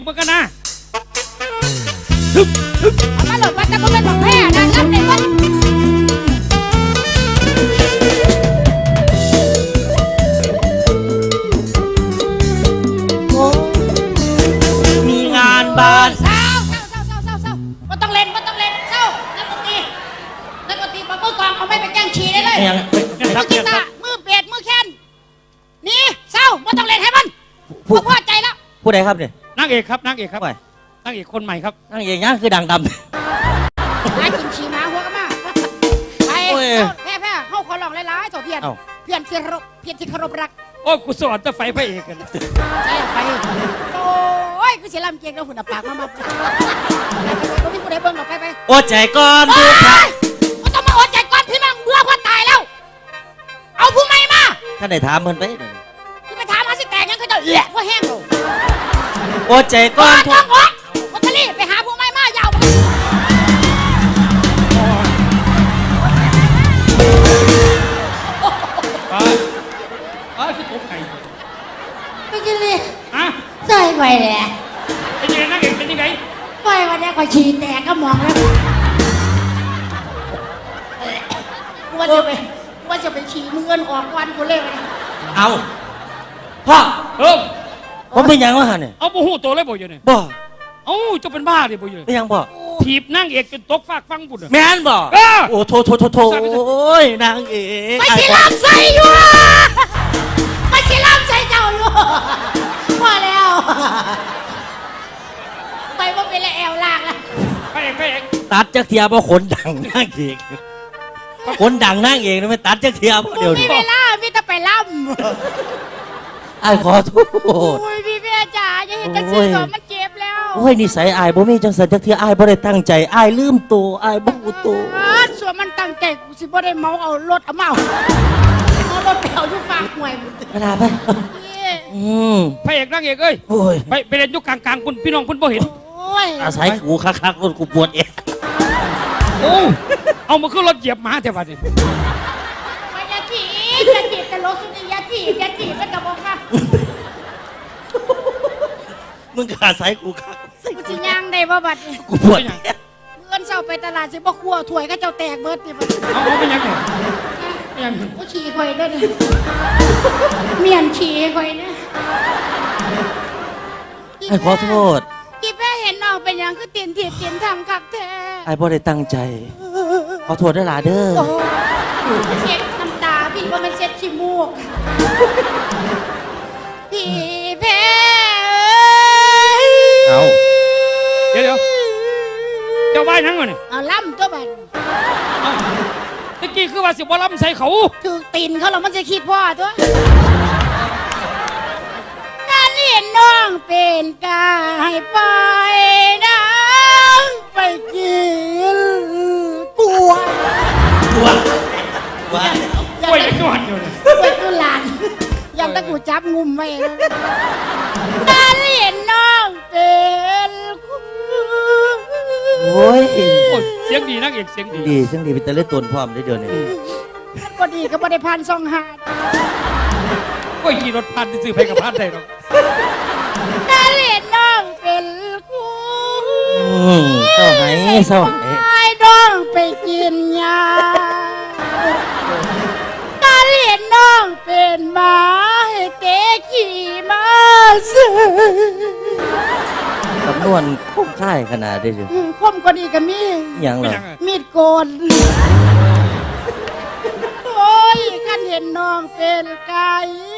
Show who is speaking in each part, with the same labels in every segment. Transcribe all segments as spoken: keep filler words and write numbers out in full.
Speaker 1: มันกันนะ
Speaker 2: เอามาหลบว่าจะเป็นของแพ้นางรับในวัน
Speaker 3: มีงานบ้าน
Speaker 2: เศร้าเศร้าเศร้าเศร้าเศร้าเศร้าไม่ต้องเล่นไม่ต้องเล่นเศร้านักดนตรีนักดนตรีปะมือกองเอาไม่ไปแกล้งฉี่ได้เลยมือกีตาร์มือเปียดมือแค้นนี่เศร้าไม่ต้องเล่นให้มันพอพอใจแล้ว
Speaker 3: ผู้ใดครับเนี่ย
Speaker 1: นางเอกครับนางเอกครับนางเอกคนใหม่ครับ
Speaker 3: นางเอกยังคือดังดำ
Speaker 2: หากินฉี่มาหัวกันมาไปแพ้แพ้เข้าขอลองหลายๆต่อเพียนเพียนที่รบเพียนที่เคารพรัก
Speaker 1: โอ้กูสอนจะไฟพระเอกกัน
Speaker 2: ใช่ไฟโอ้ยกูเสียลำเกียงแล้วหุ่นปากมามาไปไปพี่ผู้ใดเบิ้งออกไปไป
Speaker 3: โอ้ใจก่อนดูค่ะ
Speaker 2: ก็ต้องมาอดใจก่อนพี่มั่งเบื่อคนตายแล้วเอาผู้ใหม่มา
Speaker 3: ท่านได้ถามมันไป
Speaker 2: ที่ไปถามมาสิแต่ยังก็จะเละเพราะแห้งลง
Speaker 3: โอ้ใจก่อน
Speaker 2: ต้องอดวัตลีไปหาผู้ใหม่มายาว
Speaker 1: ไปไปคือตกไก่
Speaker 2: ไม่ใช่เลย
Speaker 1: ฮะ
Speaker 2: ใส่ไปเลย
Speaker 1: เป็นยังไงนางเอกเป็นยังไง
Speaker 2: ไปวันนี้ก็ฉี่แตกก็มองแล้วว่าจะไปว่าจะไปฉี่มึงเงินออกวันกูเลย
Speaker 3: เอาพ่อ
Speaker 1: เออ
Speaker 3: ผมเป็นยังวะฮะเนี่ย
Speaker 1: เอาบูฮูตัวเลยบ่อยู่เนี่ย
Speaker 3: บ่
Speaker 1: เอ้าจะเป็นบ้าดิบ่อยู่
Speaker 3: เป็นยังบ่
Speaker 1: ถีบนางเอกจนตกฟากฟังบุญ
Speaker 3: แม่นบ่โอ้โถโถโถโถโอ้ยนางเอก
Speaker 2: ไม่ใช่ลำใส่อยู่ไม่ใช่ลำใส่เจ้าอยู่พอแล้วไปว่าเป็นแอลลากแล้ว
Speaker 1: ไปเอกไปเอก
Speaker 3: ตัดจักเทียบ่ขนดังนางเอกขนดังนางเอกนี่ไม่ตัดจักเทียบ่เดี๋ยวนี้
Speaker 2: มีเวลามีแต่ไปล่
Speaker 3: ำไอ้ขอโทษ
Speaker 2: โอ้ยพี่แม่จ๋าอย่าเห็นจังซี่ก่อนมันเจ็บแล้ว
Speaker 3: โอ้ยนิสัยอายบ่มีจังสันจักเทียอายบ่ได้ตั้งใจอายลืมตัวอายบ่รู้ตัว
Speaker 2: ส่วนมันตั้งใจกูสิบ่ได้เมาเอารถเอาเมาเอารถไปเอาอยู่ฝากห่วย
Speaker 3: เวลาไปอืม
Speaker 1: พระเอกนางเอกเอ้ย
Speaker 3: โอ้ย
Speaker 1: ไปไปเล่นยุคกลางๆคุณพี่น้องคุณบ่เห็น
Speaker 3: อาศัยกูคักๆรถกูปวดเอง
Speaker 1: โอ้เอามาขึ้นรถเหยียบหมาแต่บัดนี้
Speaker 2: ไปยาจียาจีแต่รถสุดยาจียาจีเป็นกระบอกค่ะ
Speaker 3: มึงอาศัยกูคัก
Speaker 2: กูสิย่างได้บ่บัดนี้
Speaker 3: กูปวด
Speaker 2: เงินเช้าไปตลาดสิบ่ครัวถ้วยก็เจ้าแตกเบิดดิบัด
Speaker 1: เอาเอาไปยังไง
Speaker 2: ยังกูฉี่ข่อยเด้อเมียนฉี่ข่อยนะ
Speaker 3: ไอ้ขอโทษ
Speaker 2: พี่แม่เห็นน้องเป็นยังคือเตียนเถียนเตียนทำคักแท้
Speaker 3: ไอ้บ่ได้ตั้งใจขอโทษได้หลาเด้อ
Speaker 2: เช็ดน้ำตาพี่ว่ามันเช็ดขี้มูกพี่แพ้
Speaker 3: เอา
Speaker 1: เดี๋ยวเดี๋ยวเจ้าบ้านนั่งก่อนนี่
Speaker 2: เอาล่ำตัวบัน
Speaker 1: ตะกี้คือว่าสิบ่ล่ำใส่เขา
Speaker 2: ถือตีนเขาหรอมันจะคิดพ่อตัวเห็นน้องเป็นกายไปน้ำไปกินกลัว
Speaker 3: กลัวกลัว
Speaker 1: กลัวยังนอนอยู่เลย
Speaker 2: กลัวตัวหลานยังตะกูจับงุมไว้ตาเห็นน้องเป็น
Speaker 3: โอ้ย
Speaker 1: เสียงดีนักเอกเสียงดี
Speaker 3: ดีเสียงดีเป็นตะเล่นตนพร้อมได้เดี๋ยวนี้
Speaker 2: ก็ดีก็ไม่ได้พันซองหา
Speaker 1: ก็ขี่รถพันซื้อไปกับพันได้หรอก
Speaker 2: ตาเห็นน้องเป็นคู่
Speaker 3: เศร้าไหมเศร้าไหม
Speaker 2: น้องไปกินยาตาเห็นน้องเป็นหมาให้เตะขี่มาซื้อ
Speaker 3: สำนวนคุ้มค่ายขนาดได้เลย
Speaker 2: คมก็ดีกับมีด
Speaker 3: อย่างไร
Speaker 2: มีดโกนโอ้ยกันเห็นน้องเป็นไก่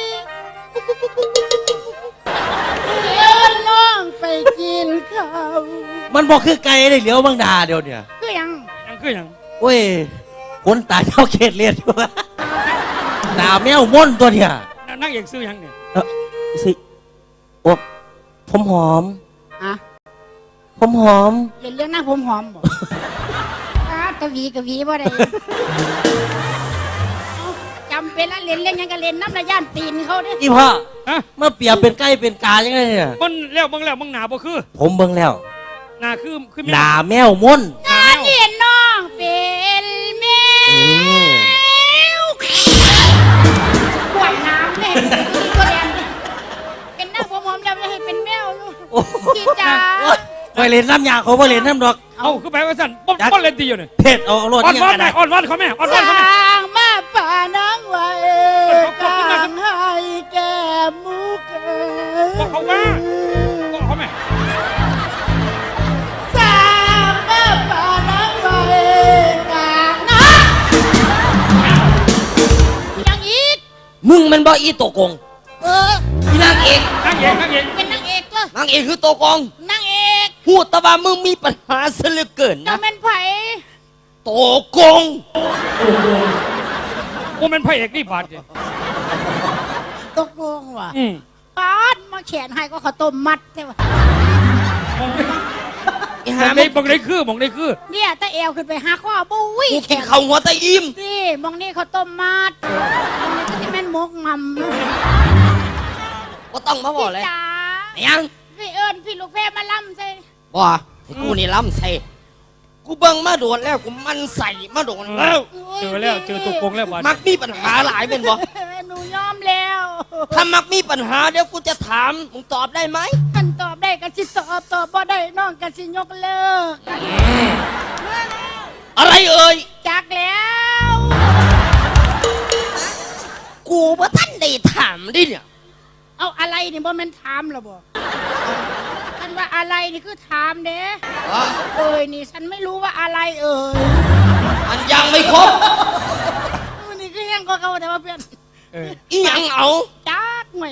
Speaker 2: เดินน้องไปกินข้าว
Speaker 3: มันบอกคือไก่ได้เหลียวบางดาเดี๋ยวเนี่ย
Speaker 2: คือยัง
Speaker 1: ยังคือยัง
Speaker 3: โอ้ยคนตาเจ้าเขตเลียนอยู่ตาแมวม่นตัวเนี่ย
Speaker 1: นั่งเอกซื้อยังเนี่ย
Speaker 3: เออสิโอ้ผมหอม
Speaker 2: อะ
Speaker 3: ผมหอม
Speaker 2: เรียนเรื่องนั่งผมหอมบ่กะวีกะวีบ่ได้จำเป็นแล้วเล่นเล่นยังกันเล่นน้ำระย่านตีนเขาเนี่ย
Speaker 3: อีพ่อเมื่อเปรียบเป็นไก่เป็นกายังไงเนี่ย
Speaker 1: มันแล้วบังแล้วบังหนาบ่คือ
Speaker 3: ผมเบิ่งแล้ว
Speaker 1: หนาคือคือ
Speaker 3: หนาแมวม่น
Speaker 2: หนาเห็นน้องเป็นแมวขวดน้ำเนี่ยตัวแดงเป็นหน้าผมหอมแล้วจะให้เป็นแมวลูกพี่จ๋า
Speaker 3: ไปเล่นน้ำยาเขาไปเล่นน้ำดอก
Speaker 1: เอาคือไปว่าสั่นป้อนป้อนเล่นตีอยู่เนี่ย
Speaker 3: เพชรเอาเอารถ
Speaker 1: อ่อน
Speaker 3: ยัง
Speaker 1: วอน
Speaker 3: กัน
Speaker 1: แม่
Speaker 3: นะ
Speaker 1: อ่อนวอนเขาแม่อ่อนวอนเขาแม่
Speaker 2: สร้างมาป่านังไว้กลางให้แก้มุก
Speaker 1: บอกเขาว่าบอกเขาแม่
Speaker 2: สร้างมาป่านังไว้กลางนะยังอีก
Speaker 4: มึงมันบ่อีโตกง
Speaker 2: เออ
Speaker 4: อีนางเอก
Speaker 1: นั่งเองนั่งเอง
Speaker 2: เป็นนางเอกก็
Speaker 4: นางเอกคือโตกง
Speaker 2: นางเอก
Speaker 4: พูดแต่ว่ามึงมีปัญหาซะเหลือเกิน
Speaker 2: จะ
Speaker 4: นะ
Speaker 2: เป็นไผ่
Speaker 4: โตกง
Speaker 1: กูเป็นพระเอกนี่บาดเนี่ย
Speaker 2: ตกลงว่ะ
Speaker 1: อืม
Speaker 2: ปาดมาแขนให้ก็ข้าวต้มมัดใช่ปะ
Speaker 1: มอง
Speaker 4: อี
Speaker 1: ม
Speaker 4: หา
Speaker 1: อง
Speaker 4: มึ
Speaker 1: ได้
Speaker 4: ง
Speaker 1: มองได้คือมองได้คือ
Speaker 2: เนี่ยตาเอวขึ้นไปหาข้อบุ้ย
Speaker 4: กู
Speaker 2: แข
Speaker 4: กิน
Speaker 2: น
Speaker 4: ข้าวหัวตะอิ่ม
Speaker 2: นี่มองนี่ข้าวต้มมัดมองนี่ก็ที่แม่นมกงำ
Speaker 4: ก็ต้องมาบอกเลย
Speaker 2: จ๋า
Speaker 4: ยัง
Speaker 2: พี่เอิญพี่ลูกแพรมาล่ำใส่
Speaker 4: บ่ให้กูนี่ล้ำใส่กูเบิ่งมาโดนแล้วกูมันใส่มาโดนแล้ว
Speaker 1: เจอแล้วเจอตัวโกงแล้วบาด
Speaker 4: มักมีปัญหาหลายเป็นบ่
Speaker 2: หนูยอมแล้ว
Speaker 4: ถ้ามักมีปัญหาเดี๋ยวกูจะถามมึงตอบได้ไหม
Speaker 2: ท่านตอบได้ก็สิตอบตอบบ่ได้น้องก็สิยกเลิก
Speaker 4: อะไรเอ่ย
Speaker 2: จักแล้ว
Speaker 4: กูว่าท่านได้ถามดิเนี่ย
Speaker 2: เอาอะไรนี่บ่แม่นถามหรอบ่ท่านว่าอะไรนี่คือถามเด้
Speaker 4: อ๋อ
Speaker 2: เอ้ยนี่ฉันไม่รู้ว่าอะไรเอ่ย
Speaker 4: มันยังไม่ครบ
Speaker 2: มันนี่คือยังก็เขาแต่ว่าเพื่อน
Speaker 1: เออ
Speaker 4: อีหยังเอา
Speaker 2: จักไหม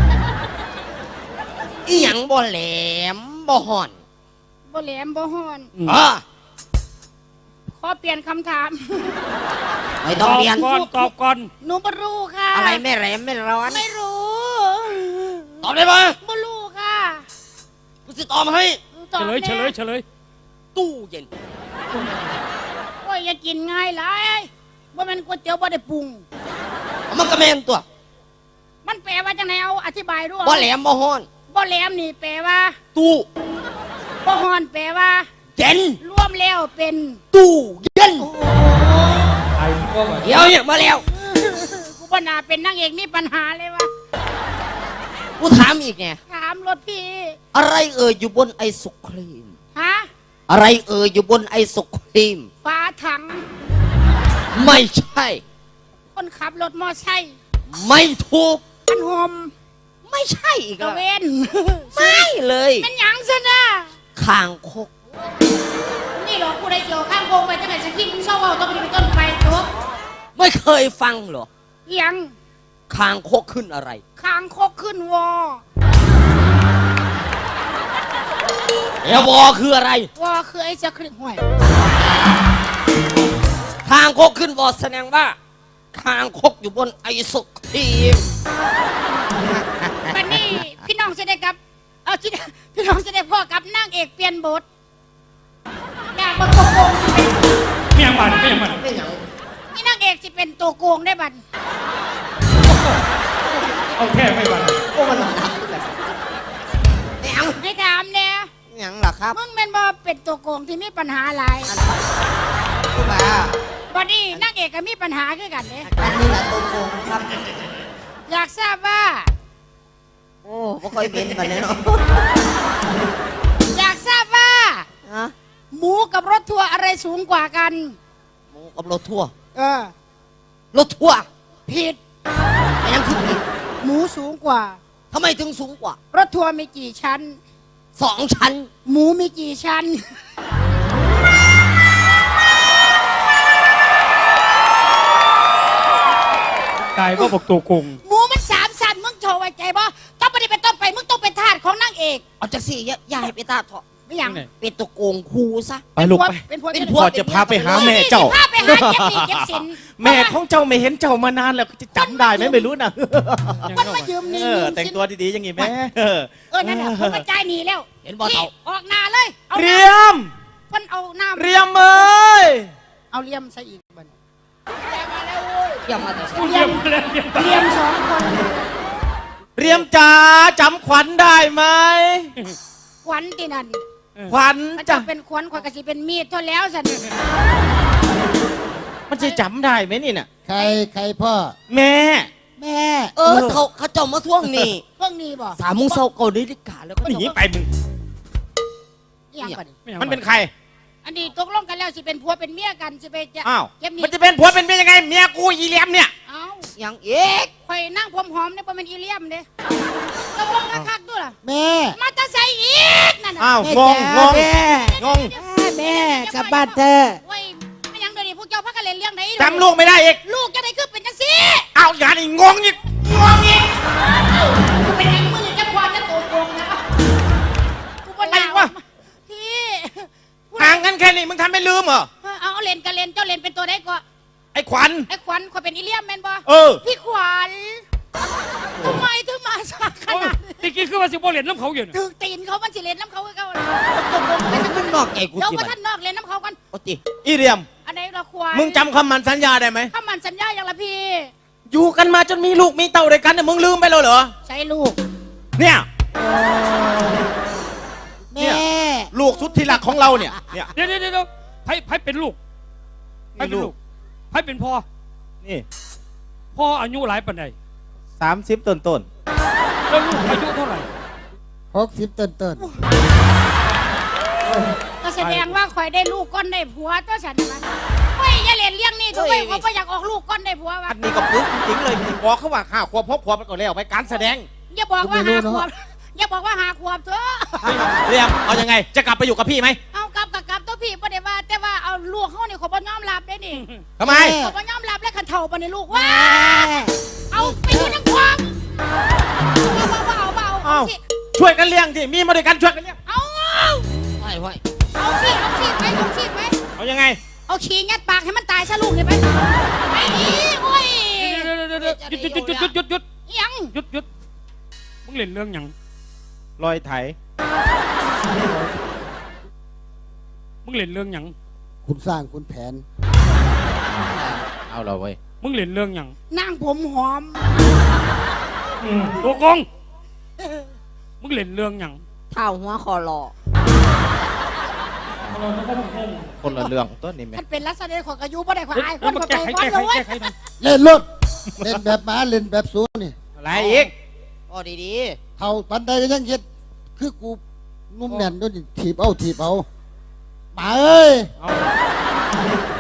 Speaker 4: อีหยังบ่แหลมบ่ห่อน
Speaker 2: บ่แหลมบ่ฮ้อน
Speaker 4: อ่ะ
Speaker 2: ขอเปลี่ยนคำถาม
Speaker 4: ไม่
Speaker 1: ต
Speaker 4: ต้อ
Speaker 1: องบ
Speaker 4: เรียน
Speaker 1: ก่อนตอบก่อน
Speaker 2: หนูบ่รู้ค่ะ
Speaker 4: อะไรไม่แหลมไม่ร้อน
Speaker 2: ไม่รู้
Speaker 4: ตอบได้ปะ
Speaker 2: บ่รู้ค่ะ
Speaker 4: กูจะตอบให้
Speaker 2: ตอบ
Speaker 1: เฉลย
Speaker 2: แน่
Speaker 1: เฉลยเฉลย
Speaker 4: ตู้เย็น
Speaker 2: โอ้ยอย่ากินง่ายหลายว่ามันก๋วยเตี๋ยวบ่ได้ปรุง
Speaker 4: มันก็แม่นตัว
Speaker 2: มันแปลว่าจังไงเอาอธิบายด้วย
Speaker 4: บ่แหลมบ่ฮ้อน
Speaker 2: บ่แหลมนี่แปลว่า
Speaker 4: ตู้
Speaker 2: บ่ฮ้อนแปลว่า
Speaker 4: เย็น
Speaker 2: รวมแล้วเป็น
Speaker 4: ตู้เย็น
Speaker 1: ไอ้ก็ว่า
Speaker 4: เดี๋ยวเนี่ยมาแล้ว
Speaker 2: กูบ่น่าเป็นนางเอกมีปัญหาเลยวะ
Speaker 4: กูถามอีกเนี่ย
Speaker 2: ถามรถพี่
Speaker 4: อะไรเอ่ยอยู่บนไอศครีม
Speaker 2: ฮะ
Speaker 4: อะไรเอ่ยอยู่บนไอศครีม
Speaker 2: ฝาถัง
Speaker 4: ไม่ใช่
Speaker 2: คนขับรถมอไซค์
Speaker 4: ไม่ถูก
Speaker 2: อันหอม
Speaker 4: ไม่ใช่อีก
Speaker 2: ตะ
Speaker 4: แล้ว
Speaker 2: เวน
Speaker 4: ไม่เลย
Speaker 2: มันหยังซะนะ
Speaker 4: คางคก
Speaker 2: นี่หรอกกูได้เกี่ยวข้างโกงไปตั้งแต่สกินเศร้าเอาต้องไปเป็นต้นไปจบ
Speaker 4: ไม่เคยฟังเหรอ
Speaker 2: ยัง
Speaker 4: คางคกขึ้นอะไร
Speaker 2: คางคกขึ้นวอ
Speaker 4: เอวอคืออะไร
Speaker 2: วอคือไอ้เจะคลิปห่วย
Speaker 4: คางคกขึ้นวอแสดงว่าคางคกอยู่บนไอศครีม
Speaker 2: วันนี้พี่น้องจะได้กับ เอาที่พี่น้องจะได้พ่อกับนางเอกเปลี่ยนบทอยากมาโกง
Speaker 1: ไม่ยังบาดไม่ยังบาด
Speaker 2: นี่นางเอกจะเป็นตัวโกงได้บัด
Speaker 1: เอาแค่ไม่บาด
Speaker 4: ยัง
Speaker 2: ให้ถามเนี่ย
Speaker 4: ยังล่ะครับ
Speaker 2: มึงเป็นบ่เป็นตัวโกงที่มีปัญหาอะไร
Speaker 4: คุณมา
Speaker 2: วันนี้นางเอกก็มีปัญหาคือกันเนี่ย
Speaker 4: อันนี้แหละตัวโกงครับ
Speaker 2: อยากทราบว่า
Speaker 4: โอ้ไม่ค่อยเป็นแบบนี้เนาะ
Speaker 2: อยากทราบว่า
Speaker 4: ฮะ
Speaker 2: หมูกับรถทัวร์อะไรสูงกว่ากัน
Speaker 4: หมูกับรถทั่วร์
Speaker 2: เออ
Speaker 4: รถทั่วร์
Speaker 2: ผิด
Speaker 4: แต่ยังคือผิด
Speaker 2: หมูสูงกว่า
Speaker 4: ทำไมถึงสูงกว่า
Speaker 2: รถทัวร์มีกี่ชั้น
Speaker 4: สองชั้น
Speaker 2: หมูมีกี่ชั้น
Speaker 1: ตายว่าบอกตัวโกง
Speaker 2: หมูมันสามชั้นมึงโชว์ไว้ใจบ่ต้องไปเป็นต้นไปมึงต้องเป็นทาสของนางเอก
Speaker 4: เอาจากสี่อย่าอย่าให้ไปตาเถาะ
Speaker 2: ไม่อย่าง
Speaker 4: เป็นตัวโกงครูซะ
Speaker 5: ไปลูกไป
Speaker 2: เป็นพวก
Speaker 4: เป็น
Speaker 2: เป็น
Speaker 4: พ
Speaker 2: พ
Speaker 4: ว
Speaker 2: ว
Speaker 4: ก
Speaker 2: ก
Speaker 5: พ่อจะพาไปหาแม่เจ้า
Speaker 2: พาไปหาเก็บหนี้เก็บสิน
Speaker 5: แม่ของเจ้าไม่เห็นเจ้ามานานแล้วจะจำได้ไหมไม่รู้นะ
Speaker 2: มันมายืมห
Speaker 5: เอ
Speaker 2: นี่
Speaker 5: อ
Speaker 2: ยืม
Speaker 5: แต่ง
Speaker 2: สิน
Speaker 5: ตัวดีๆอย่างงี้แม่เออ
Speaker 2: เออนั่นแหละผมมาจ่ายหนีแล้ว
Speaker 4: เห็นบ่เฒ่า
Speaker 2: ออกหน้าเลยเอา
Speaker 5: เรี
Speaker 2: น้
Speaker 5: ยม
Speaker 2: ำเพิ่นเอาน้ำ
Speaker 5: เรียมเอ้ย
Speaker 2: เอาเลียมใส่อีกบัด
Speaker 4: เยี่ยมมาแต่
Speaker 1: กูเยี่ยมเลยเยี่ยม
Speaker 2: เลียมสองคน
Speaker 5: เรียมจ๋าจำขวัญได้ไหม
Speaker 2: ขวัญที่นั่น
Speaker 5: ขวัญ
Speaker 2: มันจะ
Speaker 5: จ้ะ
Speaker 2: เป็นขวัญขวัญกสิเป็นมีดเท่าแล้วสัน
Speaker 5: มันจะจำได้ไหมนี่น่ะ
Speaker 6: ใครใครพ่อ
Speaker 5: แม่
Speaker 2: บแม่
Speaker 4: เออเขาเขาเจ้ามาท่วงนี่
Speaker 2: เพิ่งนี้บ่
Speaker 4: สามโมงเช้าเกานาฬิกาแล้วก็
Speaker 5: หนีไปมึง
Speaker 2: อิหยังก่อน
Speaker 5: มันเป็นใคร
Speaker 2: อันนี้ตกลงกันแล้วสิเป็นผัวเป็นเมียกันสิไปจะ
Speaker 5: อ้าว
Speaker 2: เก็บหนี่
Speaker 5: มันจะเป็นผัวเป็นเมียยังไงเมียกูอีเหลียมเนี่ย
Speaker 2: เอ้า
Speaker 4: อย่างเอ๊ก
Speaker 2: ข่อยนั่งผมหอมเนี่ยบ่แม่นอีเลี่ยมเด้ตกลงคักๆด้วยล่ะ
Speaker 6: แม่
Speaker 2: มาแตะใส่อีกนั่นน่ะ
Speaker 5: อ้าวงงงง
Speaker 6: แม่
Speaker 5: งง
Speaker 6: แม่กลับบ้านเธอะ
Speaker 2: โอ้ยไม่หยังเดี๋ยวนี้พวกเจ้าพักกันเล่นเรื่องไหน
Speaker 5: จำลูกไม่ได้อีก
Speaker 2: ลูกจะได้คือเป็นจังซี่
Speaker 5: เอาอย่างนี้งงอีกงงอีก
Speaker 2: กูเป็นไอ้มือจะควานจะโตโกงนะกูบ่น่าวะพี่
Speaker 5: ห่างกันแค่นี้มึงทำไม่ลืมเหรอ
Speaker 2: เอาเอาเล่นกันเล่นเจ้าเล่นเป็นตัวได้ก็
Speaker 5: ไอ้ขวัญ
Speaker 2: ไอ้ขวัญข่อยเป็นอีเลี่ยมแม่นบ่
Speaker 5: เออ
Speaker 2: พี่ขวัญทำไมถึงมาสักข
Speaker 1: โอ้ย
Speaker 2: นาด
Speaker 1: ตะกี้คือว่าสิบ่เล่นน้ำเขาอยู่เนี่ย
Speaker 2: ถึงตีนเขามันสิเล่นน้ำเขาคือเขาตกลงไปทั้ง
Speaker 4: มันนอกใจกู
Speaker 2: เดี๋ยว
Speaker 4: สิ
Speaker 2: ว่า
Speaker 4: บัด
Speaker 2: ท่านนอกเล่นน้ำเขากัน
Speaker 4: โอ้ติ
Speaker 5: อีเหลียม
Speaker 2: อันไหนละขวัญ
Speaker 5: มึงจำคำมันสัญญาได้ไหม
Speaker 2: ถ้ามันสัญญาอย่างละพี่
Speaker 5: อยู่กันมาจนมีลูกมีเต่าด้วยกันเนี่ยมึงลืมไปแล้วเหรอ
Speaker 2: ใช้ลูก
Speaker 5: เนี่ย
Speaker 6: แม่
Speaker 5: ลูกสุดที่รักของเราเนี่ย เนี่ย
Speaker 1: เดี๋ยวเดี๋ยวเดี๋ยวไผไผเป็นลูกไผเป็นลูกไผเป็นพ่อ
Speaker 5: นี่
Speaker 1: พ่ออายุหลายปานใด
Speaker 5: สามสิบต้นต้น
Speaker 1: แล้วลูกอายุเท่าไหร่
Speaker 6: หกสิบต้นต้น
Speaker 2: ก็แสดงว่าข่อยได้ลูกก้อนได้ผัวตัวฉันนะเฮ้ยอย่าเล่นเลี้ยงนี่ตัวเว้ยเขาก็อยากออกลูกก้อนได้ผัว
Speaker 5: อั
Speaker 2: วะ
Speaker 5: นนี้ก็ปึ๊กจริงๆเลยบอกเขาว่าข้าขวบพบขวบไปก่อนแล้วไปการแสดง
Speaker 2: อย่าบอกว่าหาขวบอย่าบอกว่าหาขวบเถอะ
Speaker 5: เรียมเอายังไง จะกลับไปอยู่กับพี่ไหม
Speaker 2: เอากลับกับกลับตัวพี่ประเดี๋ยวว่าแต่ว่าเอาลูกเขาเนี่ยเขาบ่ยอมรับได้นี่
Speaker 5: ทำไม
Speaker 2: เขาบ่ยอมรับและขันเท่าปะเนี่ยลูกว่าเอาไปอยู่นักความเอาเบาเอาเบาเอาสิ
Speaker 5: ช่วยกันเลี้ยงที่มีมาด้วยกันช่วยกันเลี้ยง
Speaker 2: เอา
Speaker 4: ไหวไหว
Speaker 2: เอาสิเอาสิไปเอาสิไป
Speaker 5: เอายังไง
Speaker 2: เอาขี้ยัดปากให้มันตายซะลูกเนี่ยไปไปอีโอ้ย
Speaker 1: เดี๋ยวเดี๋ยวเดี๋ยวหยุดหยุดหยุดหยุดหยุดหยุด
Speaker 2: ยัง
Speaker 1: หยุดหยุดมึงเล่นเรื่องหยัง
Speaker 5: รอยไถ
Speaker 1: มึงเล่นเรื่องหยัง
Speaker 6: คุณสร้างคุณแผน
Speaker 5: เอาเราเว้ย
Speaker 1: มึงเล่นเรื่องหยัง
Speaker 2: นั่งผมหอม
Speaker 1: ตัวกงมึงเล่นเรื่องหยัง
Speaker 4: เท้าหัวคอรอ
Speaker 5: คนละเรื่องต้นนี่ไหม
Speaker 2: มันเป็นลักษณะของอายุบ่ได้ขวา
Speaker 1: เฮ้ย
Speaker 2: ยค
Speaker 1: แล้ว
Speaker 2: น
Speaker 1: มา
Speaker 2: เข้า
Speaker 1: แก้
Speaker 2: ใจ
Speaker 1: ไข
Speaker 2: ก่อน
Speaker 1: แก้ไข
Speaker 2: เลย
Speaker 1: แก้ไขหน่อย
Speaker 6: เล่นรถเล่นแบบหมาเล่นแบบสูนี่
Speaker 5: อะไรอีก
Speaker 4: โอ้ดี
Speaker 6: เท่าปันใดก็ยังเฮ็ดคือกูนุ่มแน่นด้วยนี่ถีบเอาถีบเอาหมาเอ้ย
Speaker 5: เอา